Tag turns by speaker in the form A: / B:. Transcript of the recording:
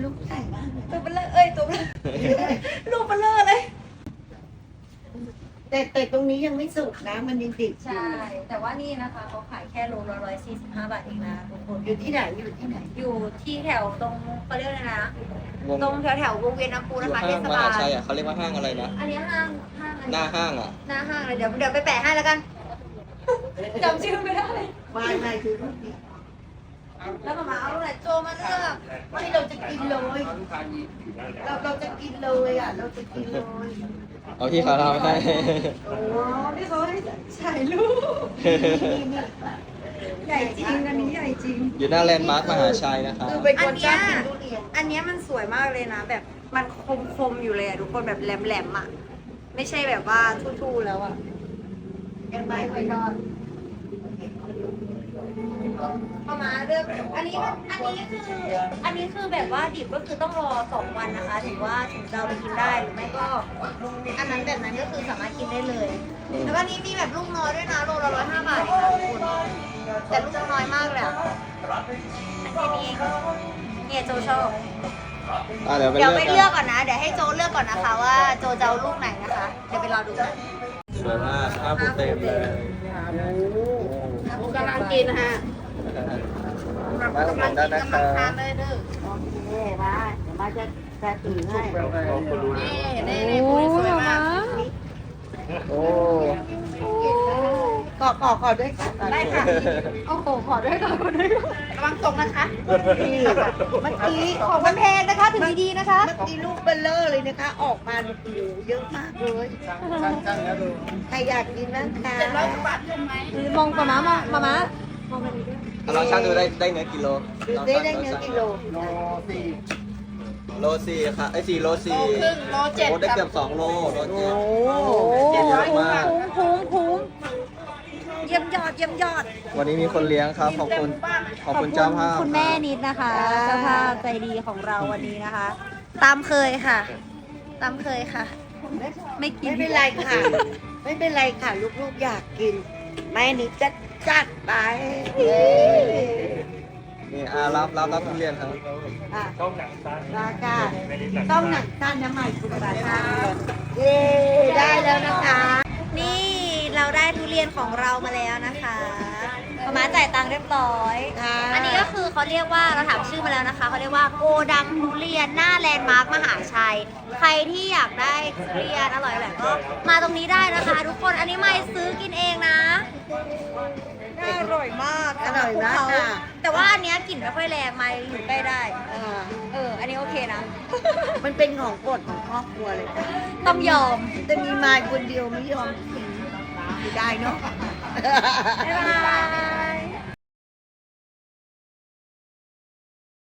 A: ลูกใหญ่มากเลย
B: ตัวเบลอตัวเบลอลูกเบลอเลย
A: แต่ตรงนี้ยังไม่สุกนะมันยังดิบ
B: ใช่ แต่ว่านี่นะคะเขาขายแค่โลละ145 บาทเองนะทุกคน
A: อยู่ที่ไหนอยู่ที่ไหน
B: อยู่ที่แถวตรงเขาเรียกอะไรนะตรงแถววงเวียนน้ำพุ
C: อ
B: นะ
C: ยู่
B: คะ
C: ห้า
B: เท
C: ง
B: ศ
C: ม
B: บา
C: หา
B: ล
C: ชัยอ่ะเขาเรียกว่าห้างอะไรนะ
B: อันนี้ห้าง
C: หน้าห้างอ่ะ
B: หน้าห้างเลยเดี๋ยวไปแปะให้แล้วกันจำชื่อไม่ได้
A: ไม่คือลูกดิบ
B: แล้วมาเอาอะไรโจมาเลือก
A: ไม่เราจะกินเลยเราจะกินเลยอ่ะเราจะกินเลย
C: เอาที่เขาทำให้
A: โอ้
B: นี่เขาให้ถ่ายรูปใหญ่จริงอันนี้ใหญ่จริง
C: อยู่หน้าแลนด์มาร์คมหาชัยนะครับ
A: คือเป็นคนชอบกินทุเรียน
B: อันเนี้ยมันสวยมากเลยนะ แบบมันคมอยู่เลยอะทุกคนแบบแหลมๆอะไม่ใช่แบบว่าทู่ๆแล้วอะ
A: ยังไม่ค่อยทอด
B: ประมาณเรื่องอันนี้คือแบบว่าดิบก็คือต้องรอ2 วันนะคะถึงจะเอาไปกินได้หรือไม่ก็ อันนั้นแบบนั้นก็คือสามารถกินได้เลย แล้วก็นี้มีแบบลูกน้อยด้วยนะโลละ105 บาทเองนะทุกคนแต่ลูกน้อยมากเลยอะอันนี้เองเนี่ยโจชอบ
C: เดี๋ยวไป
B: เดี๋ยวไป
C: เลื
B: เลื
C: อ
B: อก กก่อนนะ เดี๋ยวให้โจเลือกก่อนนะคะว่าโจจะเอาลูกไหนนะคะ เดี๋ยวไปรอดูกัน
C: สวยมากข้าวปูเต็มเลย
B: กำลังกินฮะ
C: มาอุดหนุนได้นะครับ
B: เลยเด้อ
A: โอเคมาเดี๋ยวมาจะถือให้
B: นี่คุณสวยมาก
C: โอ้
A: ขอด้วยค่ะ
B: ได้ค่ะ โอ้โห ขอด้วยก่อนระวังตกนะคะ
A: เมื่อกี้
B: ของมันแพงนะคะ ถึงดีๆนะคะ
A: เมื่อกี้ลูกเบลเลอร์เลยนะคะ ออกมาเนี่ยโอ้โหเยอะมากเลยใครอยากกินบ้างคะ
B: มองกับม้ามามะ
C: เราช่างดูได้เนื้อกิโล
A: ดูได้เนื้อกิโล
C: โลสี่ค่ะ4 โล 4
B: โล7
C: โอ้ได้เกือบ2 โลโล
A: โอ้
C: เจ็ดเยอะมาก
B: คุ้มเยี่ยมยอด
C: วันนี้มีคนเลี้ยงครับ ขอบคุณเจ้าภาพ
B: คุณแม่นิดนะคะเจ้าภาพใจดีของเราวันนี้นะคะ ตามเคยค่ะ ไม่กิน
A: ไม่เป็นไรค่ะ ไม่เป็นไรค่ะ ลูกๆอยากกิน แม่นิดจะจัดไป
C: นี่รับทุเรียนครับ
A: ค่ะราคาต้องหนังสั้นน้ำใหม่สุดราคาเย้ได้แล้วนะคะ
B: นี่เราได้ทุเรียนของเรามาแล้วนะคะประมาณจ่ายตังค์เรียบร้อย
A: ค่ะ
B: อันนี้ก็คือเขาเรียกว่าเราถามชื่อมาแล้วนะคะเขาเรียกว่าโกดังทุเรียนหน้าแลนด์มาร์คมหาชัย ใครที่อยากได้ทุเรียนอร่อยแบบก็มาตรงนี้ได้นะคะ ทุกคนอันนี้ไม่ซื้อกินเองนะอร่อยมาก
A: อร่อยมากค่ะ
B: แต่ว่าอันเนี้ยกลิ่นไม่ค่อยแรงไม่อยู่ใกล้ได้ อันนี้โอเคนะ
A: มันเป็นของโปรดของครอบครัวเลยค่ะ
B: ต้องยอม
A: จะมีมายคนเดียวไม่ยอมกินไม่ได้เนาะ
B: บ๊ายบา